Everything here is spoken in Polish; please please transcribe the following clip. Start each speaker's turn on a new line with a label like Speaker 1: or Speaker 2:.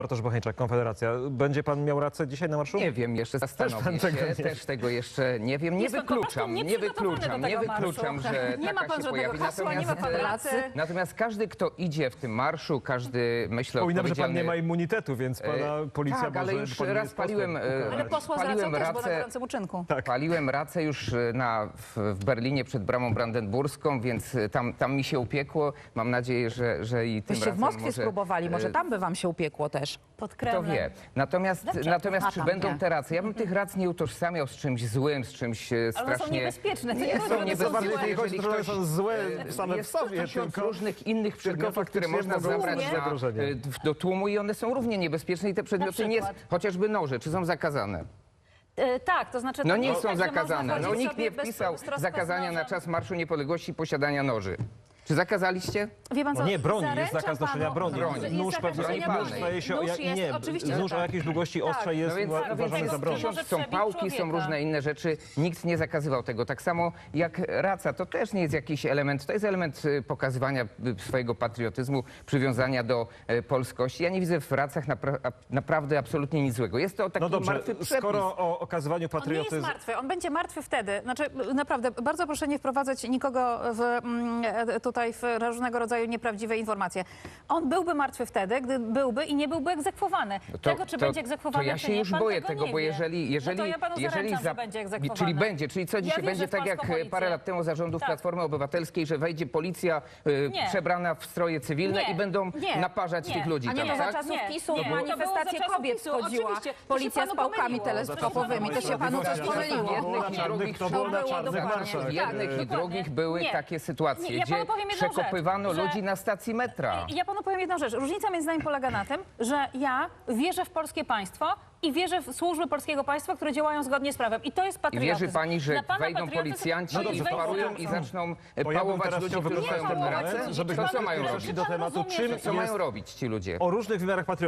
Speaker 1: Bartosz Bocheńczak, Konfederacja. Będzie pan miał rację dzisiaj na marszu?
Speaker 2: Nie wiem, jeszcze zastanowię się, też tego jeszcze nie wiem. Nie wykluczam, że
Speaker 3: nie ma
Speaker 2: taka
Speaker 3: pan
Speaker 2: się
Speaker 3: żadnego
Speaker 2: pojawi.
Speaker 3: hasła, nie ma pan racji.
Speaker 2: Natomiast każdy, kto idzie w tym marszu, każdy, myślę,
Speaker 1: Przypominam, że pan
Speaker 2: odpowiedzialny...
Speaker 1: nie ma immunitetu, więc pana policja
Speaker 2: Tak, ale
Speaker 1: może...
Speaker 2: już
Speaker 1: pan
Speaker 2: raz
Speaker 1: jest
Speaker 2: paliłem,
Speaker 1: posłem.
Speaker 3: Ale posła z racją
Speaker 2: paliłem
Speaker 3: też, bo na
Speaker 2: racę,
Speaker 3: gorącym uczynku.
Speaker 1: Tak.
Speaker 2: paliłem racę już w Berlinie przed bramą brandenburską, więc tam mi się upiekło. Mam nadzieję, że i tym
Speaker 4: Byście
Speaker 2: razem
Speaker 4: w Moskwie
Speaker 2: może,
Speaker 4: spróbowali, może tam by wam się upiekło też.
Speaker 3: Pod
Speaker 2: Kto
Speaker 3: Kremlem.
Speaker 2: wie. Natomiast
Speaker 4: A,
Speaker 2: czy
Speaker 4: tam
Speaker 2: będą
Speaker 4: nie.
Speaker 2: te racje? Ja bym tych rac nie utożsamiał z czymś złym, z czymś
Speaker 3: Ale one są
Speaker 2: strasznie...
Speaker 3: niebezpieczne.
Speaker 2: Nie są
Speaker 1: To
Speaker 2: niebezpieczne.
Speaker 1: bardziej
Speaker 3: złe.
Speaker 1: nie chodzi,
Speaker 2: Jeżeli
Speaker 1: że są złe same w
Speaker 2: jest
Speaker 1: sobie,
Speaker 2: 1000
Speaker 1: tylko...
Speaker 2: różnych innych przedmiotów, które
Speaker 1: faktycznie
Speaker 2: można
Speaker 1: mogą
Speaker 2: zabrać
Speaker 1: służyć
Speaker 2: na,
Speaker 1: zagrożenie.
Speaker 2: do tłumu i one są równie niebezpieczne i te przedmioty nie,
Speaker 3: przykład?
Speaker 2: chociażby noże, czy są zakazane?
Speaker 3: Tak, to znaczy...
Speaker 2: No
Speaker 3: to
Speaker 2: nie
Speaker 3: jest
Speaker 2: są
Speaker 3: tak, że można
Speaker 2: zakazane. No
Speaker 3: chodzić
Speaker 2: nikt
Speaker 3: sobie
Speaker 2: nie
Speaker 3: bez
Speaker 2: wpisał
Speaker 3: troska z
Speaker 2: zakazania na
Speaker 3: nożem.
Speaker 2: czas Marszu Niepodległości posiadania noży. Czy zakazaliście?
Speaker 3: Wie pan co,
Speaker 1: No nie, broni, jest
Speaker 3: zaręczam
Speaker 1: zakaz noszenia
Speaker 3: panu,
Speaker 1: broni.
Speaker 2: Broni.
Speaker 3: jest
Speaker 1: Nóż
Speaker 3: zakaz
Speaker 1: pewnie,
Speaker 3: noszenia
Speaker 2: broni
Speaker 1: nóż
Speaker 3: broni.
Speaker 1: staje się...
Speaker 3: Nóż jest,
Speaker 1: nie,
Speaker 3: oczywiście,
Speaker 1: nóż
Speaker 3: że
Speaker 1: o
Speaker 3: tak.
Speaker 1: jakiejś długości ostrza jest
Speaker 2: No więc
Speaker 1: uważany za broń.
Speaker 2: pisząc,
Speaker 3: Może
Speaker 2: są
Speaker 3: przebić
Speaker 2: pałki, są
Speaker 3: człowieka.
Speaker 2: różne inne rzeczy. Nikt nie zakazywał tego. Tak samo jak raca, to też nie jest jakiś element, to jest element pokazywania swojego patriotyzmu, przywiązania do polskości. Ja nie widzę w racach naprawdę absolutnie nic złego. Jest to taki
Speaker 1: No dobrze,
Speaker 2: martwy przepis.
Speaker 1: skoro o okazywaniu
Speaker 3: On nie jest
Speaker 1: patriotyzmu...
Speaker 3: martwy, on będzie martwy wtedy. Znaczy, naprawdę, bardzo proszę nie wprowadzać nikogo tutaj w różnego rodzaju nieprawdziwe informacje. On byłby martwy wtedy, gdy byłby i nie byłby egzekwowany. Tego, czy będzie egzekwowany,
Speaker 2: to ja
Speaker 3: czy
Speaker 2: się
Speaker 3: nie,
Speaker 2: już
Speaker 3: pan
Speaker 2: boję
Speaker 3: tego
Speaker 2: tego,
Speaker 3: nie
Speaker 2: bo
Speaker 3: wie.
Speaker 2: jeżeli
Speaker 3: No to ja panu zaręczam, że będzie egzekwowany.
Speaker 2: czyli co dzisiaj
Speaker 3: wierzę
Speaker 2: będzie
Speaker 3: w
Speaker 2: tak jak
Speaker 3: polską policję.
Speaker 2: parę lat temu za rządów
Speaker 3: Tak.
Speaker 2: Platformy Obywatelskiej, że wejdzie policja
Speaker 3: Nie.
Speaker 2: przebrana w stroje cywilne
Speaker 3: Nie.
Speaker 2: i będą
Speaker 3: Nie.
Speaker 2: naparzać
Speaker 3: Nie.
Speaker 2: tych ludzi
Speaker 4: A nie,
Speaker 2: tam,
Speaker 4: to za
Speaker 2: tak?
Speaker 4: czasów
Speaker 3: Nie.
Speaker 4: PiS-u
Speaker 3: Nie.
Speaker 4: manifestacje
Speaker 3: To było za
Speaker 4: kobiet
Speaker 3: czasów PiS-u,
Speaker 4: wchodziła.
Speaker 3: oczywiście. To się
Speaker 4: Policja z
Speaker 3: panu
Speaker 4: pałkami
Speaker 3: pomyliło.
Speaker 4: teleskopowymi. To się panu coś pomyliło.
Speaker 2: Jednych i drugich
Speaker 1: to było na czarnych marszach.
Speaker 2: w jednych i drugich były
Speaker 3: Nie.
Speaker 2: takie sytuacje,
Speaker 3: Nie, ja panu
Speaker 2: gdzie
Speaker 3: powiem jedną rzecz,
Speaker 2: przekopywano
Speaker 3: że-
Speaker 2: ludzi na stacji metra.
Speaker 3: Ja panu powiem jedną rzecz. Różnica między nami polega na tym, że ja wierzę w polskie państwo i wierzę w służby polskiego państwa, które działają zgodnie z prawem. I to jest
Speaker 2: I
Speaker 3: patriotyzm.
Speaker 2: wierzy pani, że
Speaker 3: Dla pana
Speaker 2: wejdą
Speaker 3: patriotyzm
Speaker 2: policjanci
Speaker 3: to jest
Speaker 2: i
Speaker 3: wejście
Speaker 2: parują
Speaker 3: na
Speaker 2: i
Speaker 3: ulicę.
Speaker 2: zaczną
Speaker 1: Bo ja bym
Speaker 2: pałować
Speaker 1: teraz
Speaker 2: ludzi,
Speaker 1: chciał
Speaker 2: którzy
Speaker 1: wykorzystać
Speaker 2: stoją
Speaker 1: ten
Speaker 2: w
Speaker 1: moment,
Speaker 2: racę?
Speaker 1: żebyśmy
Speaker 2: To co mają
Speaker 1: przeszli
Speaker 2: robić?
Speaker 1: do tematu, czym
Speaker 2: Co mają
Speaker 1: jest
Speaker 2: robić ci ludzie?
Speaker 1: o różnych wymiarach patriotyzmu.